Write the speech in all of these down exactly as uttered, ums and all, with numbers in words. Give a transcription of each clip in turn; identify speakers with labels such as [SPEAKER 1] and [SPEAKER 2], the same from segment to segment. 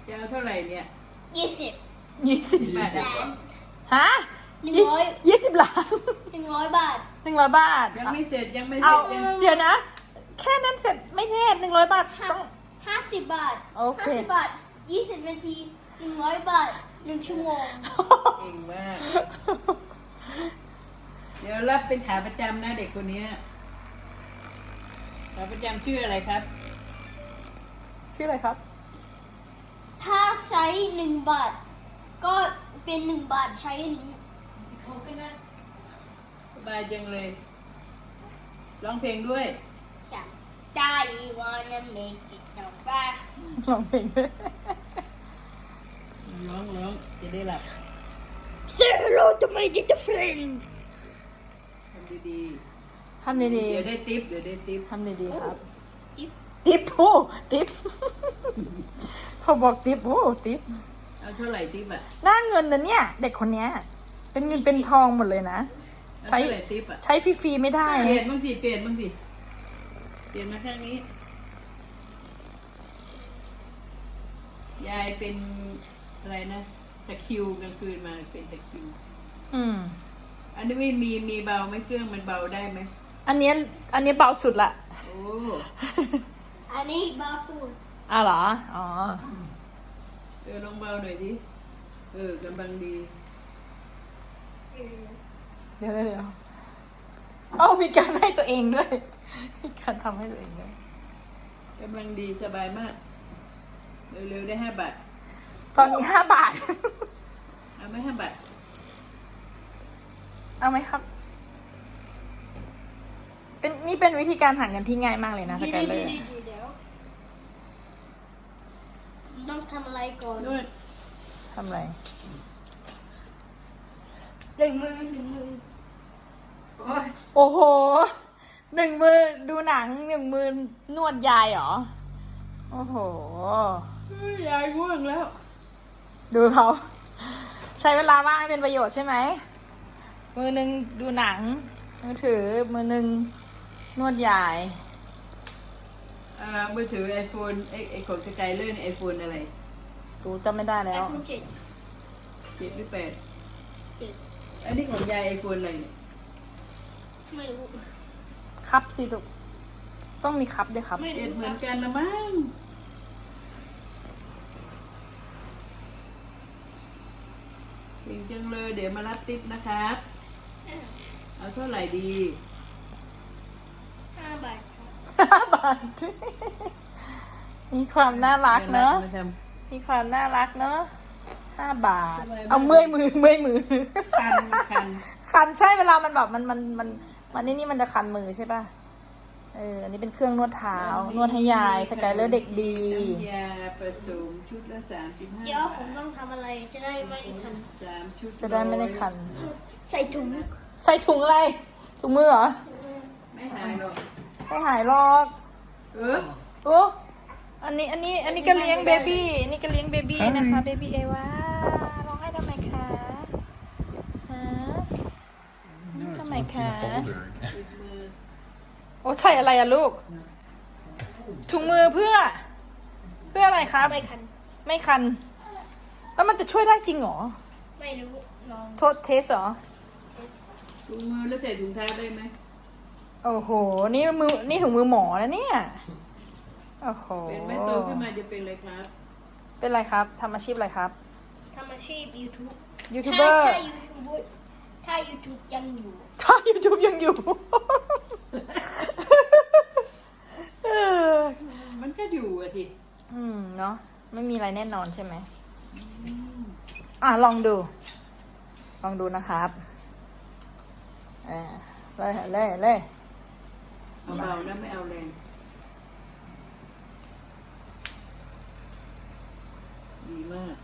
[SPEAKER 1] จะเอาเท่าไหร่เนี่ย
[SPEAKER 2] ยี่สิบ
[SPEAKER 3] ยี่สิบ
[SPEAKER 1] แปด
[SPEAKER 2] ล้าน
[SPEAKER 3] ฮะ
[SPEAKER 2] หนึ่งร้อย
[SPEAKER 3] ยี่สิบล้าน
[SPEAKER 2] หนึ่งร้อยบาท
[SPEAKER 3] หนึ่งร้อยบาท
[SPEAKER 1] ยังไม่เสร็จยังไม่เส
[SPEAKER 3] เอา
[SPEAKER 1] ร็จยัง
[SPEAKER 3] เดี๋ยวนะ แค่นั้นเสร็จไม่แน่หนึ่งร้อยบาท
[SPEAKER 2] ห้า
[SPEAKER 3] ต้อง
[SPEAKER 2] ห้าสิบบาท
[SPEAKER 3] โอเค
[SPEAKER 2] ห้าสิบบาทยี่สิบนาทีหนึ่งร้อยบาทหนึ่งชั่วโมง
[SPEAKER 1] เก่งมาก เดี๋ยวรับเป็นขาประจำนะเด็กคนนี้ขาประจำชื่ออะไรครับ
[SPEAKER 3] ชื่ออะไรครับ
[SPEAKER 2] ถ้าใช้หนึ่งบาท ก็เป็นหนึ่งบาทใช้อันนี้
[SPEAKER 1] สบายจังเลย ร้องเพลงด้วย
[SPEAKER 2] จ้ะได้ wanna make it now บ้า
[SPEAKER 3] ลองเพลงด้วย
[SPEAKER 1] ร้องร้องจะได้หลับ
[SPEAKER 2] Say hello to my little friend
[SPEAKER 1] ทำดี
[SPEAKER 3] ทำ
[SPEAKER 1] ๆ
[SPEAKER 3] ดี
[SPEAKER 1] เดี๋ยวได้ติปเดี๋ยวได้ติป
[SPEAKER 3] ๆทำดีๆครับ
[SPEAKER 2] Tip
[SPEAKER 3] ติ๊บโอ้ติ๊บ เขาบอกติ๊บโอ้ติ๊บ
[SPEAKER 1] เอาเท่าไหร่ติปอ่ะ
[SPEAKER 3] หน้าเงินนะเนี่ย เด็กคนเนี้ย เป็นเงินเป็นทองหมดเลยนะ
[SPEAKER 1] เอา
[SPEAKER 3] ใช้
[SPEAKER 1] เท่าไหร่ติปอ่ะ
[SPEAKER 3] ใช้ฟรีๆไม่ได้
[SPEAKER 1] เปลี่ยนบ้างสิเปลี่ยนบ้างสิเปลี่ยนมาข้างนี้ ยายเป็นอะไรนะตะคริวกลางคืนมาเป็นตะคริว
[SPEAKER 3] อืม
[SPEAKER 1] อันนี้ไม่มีมีเบาไหมเครื่องมันเบาได้ไหม
[SPEAKER 3] อันเนี้ยอันเนี้ยเบาสุดละ
[SPEAKER 1] โอ้
[SPEAKER 2] อันนี้บาฟูด
[SPEAKER 3] อ้าวเหรอ อ๋อ
[SPEAKER 1] เออลองเบาหน่อยดิเออกำลังดี
[SPEAKER 3] เดี๋ยวเดี๋ยวเอ้ามีการให้ตัวเองด้วย มีการทำให้ตัวเองด้วย
[SPEAKER 1] กำลังดีสบายมาก เร็วๆได้ห้าบาท
[SPEAKER 3] ตอนนี้ห้าบาท
[SPEAKER 1] เอาไหม่ห้าบาท
[SPEAKER 3] เอาไหมครับ เป็นนี่เป็นวิธีการหาเงินที่ง่ายมากเลยนะสกายเลอร์
[SPEAKER 2] เดี๋ยวต้องทำอะไรก่อน
[SPEAKER 1] นวด
[SPEAKER 3] ทำอะไร
[SPEAKER 2] หนึ่งมือหนึ่งมือ
[SPEAKER 1] โอ้ย
[SPEAKER 3] โอ้โห หนึ่งมือดูหนังหนึ่งมือนวดยายเหรอ โอ้โห
[SPEAKER 1] ยายง่วงแล้ว
[SPEAKER 3] ดูเขา ใช้เวลาว่างให้เป็นประโยชน์ใช่ไหม มือหนึ่งดูหนัง มือถือ มือหนึ่งนวดยาย
[SPEAKER 1] อ่ามือถือไอโฟนไอไอของสกายเลอร์ไอโฟนอะไร
[SPEAKER 3] ดูจำไม่ได้แล้ว
[SPEAKER 2] ไอโฟนเจ็ด
[SPEAKER 1] เจ็ดหรือแปด
[SPEAKER 2] เจ็ด
[SPEAKER 1] อันนี้ของยายไอโฟนอะไรเนี่ย
[SPEAKER 2] ไม่รู้
[SPEAKER 3] ครับสิลูกต้องมีครับด้วยครับ
[SPEAKER 2] ไม่
[SPEAKER 1] เจ็ด
[SPEAKER 2] รู้
[SPEAKER 1] เหมื
[SPEAKER 2] ค
[SPEAKER 1] อ
[SPEAKER 2] รั
[SPEAKER 1] น
[SPEAKER 2] บ
[SPEAKER 1] กันละมั้งเก่งจังเลยเดี๋ยวมารับติ๊บนะครับ เอาเท่าไหร่ดี
[SPEAKER 2] ห้าบาทครับ
[SPEAKER 3] ห้าบาท มีความน่ารักเนอะ
[SPEAKER 1] มาท
[SPEAKER 3] มีความน่ารักเนอะห้าบาท
[SPEAKER 1] ทำไมไม่
[SPEAKER 3] เอาเมื่อยมือเมื่อยมือ
[SPEAKER 1] ำคันคัน
[SPEAKER 3] คันใช่เวลามันแบบมันมันมันมันนี่นี่มันจะคันมือใช่ป่ะ เออ อันนี้เป็นเครื่องนวดเท้า นวดให้ยายสกายเลอร์เด็กดี
[SPEAKER 1] น้ำยาผสมชุดละสามสิบห้า
[SPEAKER 2] เดี๋ยวผมต้องทำอะไรจะได้ไม่ทัน
[SPEAKER 1] สามชุด
[SPEAKER 3] จะได้ไม่ได้คัน
[SPEAKER 2] ใส่ถุง
[SPEAKER 3] ใส่ถุงอะไร ถุงมือเหรอ
[SPEAKER 1] ไม่หายหรอก
[SPEAKER 3] ไม่หายหรอก
[SPEAKER 1] เออ
[SPEAKER 3] โอ้ อันนี้ อันนี้ อันนี้ก็เลี้ยงเบบี้ อันนี้ก็เลี้ยงเบบี้นะคะ เบบี้เอวาร้องให้ทำไมคะฮะทำไมคะ
[SPEAKER 1] ติดมือ
[SPEAKER 3] โอ้ใส่อะไรอะลูก ถุงมือเพื่อ เพื่ออะไรครับ
[SPEAKER 2] ไม่คัน
[SPEAKER 3] ไม่คัน แล้วมันจะช่วยได้จริงเหรอ
[SPEAKER 2] ไม่รู้ลอง
[SPEAKER 3] โทษเทสเหรอ
[SPEAKER 1] ถุงมือแล้วใส่ถุงเท้าได้ไหม
[SPEAKER 3] โอ้โห นี่มือ นี่ถุงมือหมอแล้วเนี่ย โอ้โห
[SPEAKER 1] เป็นไหมโตขึ้นมาจะเป็นอะไรครับ
[SPEAKER 3] เป็นไรครับ ทำอาชีพอะไรครับ
[SPEAKER 2] ทำอาชีพ YouTube
[SPEAKER 3] ยูทูบเบอร์
[SPEAKER 2] ถ้า YouTube ถ้า YouTube ยังอยู่
[SPEAKER 3] ถ้า YouTube ยังอยู่ เออ
[SPEAKER 1] มันก็อยู่อะที
[SPEAKER 3] อืม เนาะ ไม่มีอะไรแน่นอนใช่ไหม อ่ะ ลองดู ลองดูนะครับเออเลยเลยเลย
[SPEAKER 1] เอาเบานะไม่เอาแรงดีมาก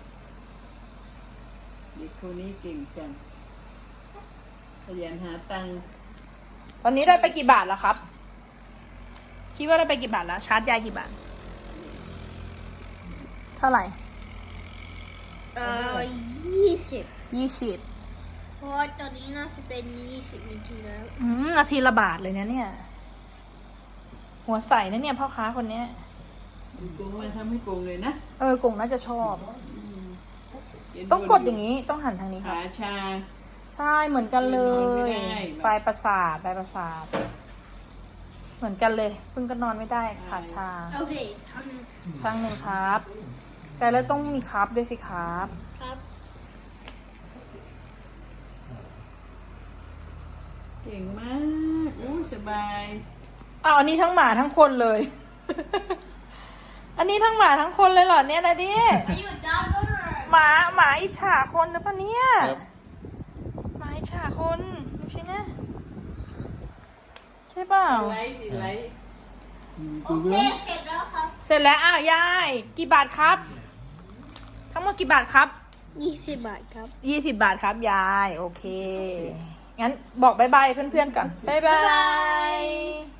[SPEAKER 1] เด็กคนนี้เก่งจังขยันหาตังค์
[SPEAKER 3] ตอนนี้ได้ไปกี่บาทแล้วครับ คิดว่าได้ไปกี่บาทแล้ว ชาร์จยายกี่บาท เท่าไหร่
[SPEAKER 2] เอ่อยี่สิบ
[SPEAKER 3] ยี่สิบ
[SPEAKER 2] เพราะว่าตอนนี้น่าจะเป็นยี่สิบนาทีแล้ว
[SPEAKER 3] อืมนาทีละบาทเลยนะเนี่ย หัวใสนะเนี่ยพ่อค้าคนเนี้ย
[SPEAKER 1] ดกงมาทำให้กงเลยนะ
[SPEAKER 3] เออกงน่าจะชอบ
[SPEAKER 1] เย็น
[SPEAKER 3] ต้องกดอย่างนี้ต้องหันทางนี้ค่ะ
[SPEAKER 1] ขาชา
[SPEAKER 3] ใช่เหมือนกันเลย
[SPEAKER 1] นอนไม่ได้
[SPEAKER 3] ปลายประสาทปลายประสาท เหมือนกันเลยเพิ่งก็นอนไม่ได้ขาชา
[SPEAKER 2] โอเคท
[SPEAKER 3] ครั้งหนึ่งครับ แต่แล้วต้องมีครับด้วยสิครับ
[SPEAKER 2] ำครับ
[SPEAKER 1] เก่งมากอู้สบาย
[SPEAKER 3] อ้าวอันนี้ทั้งหมาทั้งคนเลย อันนี้ทั้งหมาทั้งคนเลยเหรอเนี่ยนะดิ
[SPEAKER 2] Are you a dog owner?
[SPEAKER 3] หมาหมาอิจฉาคนหรือเปล่าเนี่ย
[SPEAKER 4] ครับ
[SPEAKER 3] หมาอิจฉาคนดูสินะใช่เปล่า
[SPEAKER 1] ไลท์สิไลท์
[SPEAKER 2] โอเคเสร็จแล้วครับ
[SPEAKER 3] เสร็จแล้วอ้าวยายกี่บาทครับ ทั้งหมดกี่บาทครับ
[SPEAKER 2] ยี่สิบบาทครับ
[SPEAKER 3] ยี่สิบบาทครับยาย โอเค งั้นบอกบายบายเพื่อนๆก่อนบายบา
[SPEAKER 2] บ๊ายบาย
[SPEAKER 3] ย